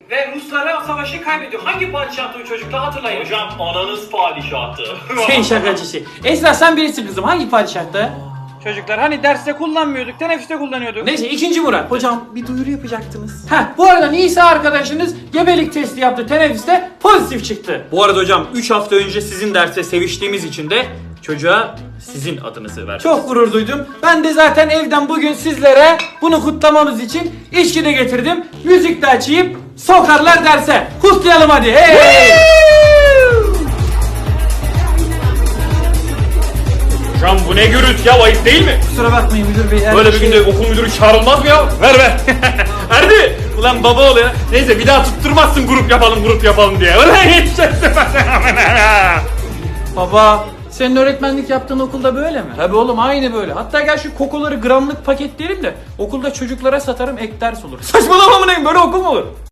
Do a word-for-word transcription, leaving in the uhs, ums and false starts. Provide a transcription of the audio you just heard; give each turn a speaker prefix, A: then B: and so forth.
A: Ve Ruslara savaşı kaybediyor. Hangi padişahtı o çocuklar hatırlayın.
B: Hocam ananız padişahtı.
C: Sen şakacısı. Esra sen birisin kızım. Hangi padişahta?
A: Çocuklar hani derste kullanmıyorduk, teneffüste kullanıyorduk.
C: Neyse ikinci Murat. Hocam bir duyuru yapacaktınız. Heh bu arada Nisa arkadaşınız gebelik testi yaptı teneffüste, pozitif çıktı.
D: Bu arada hocam üç hafta önce sizin derste seviştiğimiz için de çocuğa sizin adınızı verdim.
C: Çok gurur duydum. Ben de zaten evden bugün sizlere bunu kutlamamız için içki de getirdim. Müzik de açayım. Sokarlar derse. Kutlayalım hadi. Hey!
D: Hocam bu ne gürültü ya, ayıp değil mi?
C: Kusura bakmayın müdür bey.
D: Böyle bir günde okul müdürü çağrılmaz mı ya? Ver ver. Erdi. Ulan baba ol ya. Neyse bir daha tutturmazsın grup yapalım grup yapalım diye. Ulan yetişeceksin.
C: Baba, senin öğretmenlik yaptığın okulda böyle mi? Tabii oğlum aynı böyle. Hatta gel şu kokoları gramlık paketleyelim de okulda çocuklara satarım, ek ders olur. Saçmalama mı neyim, böyle okul mu olur?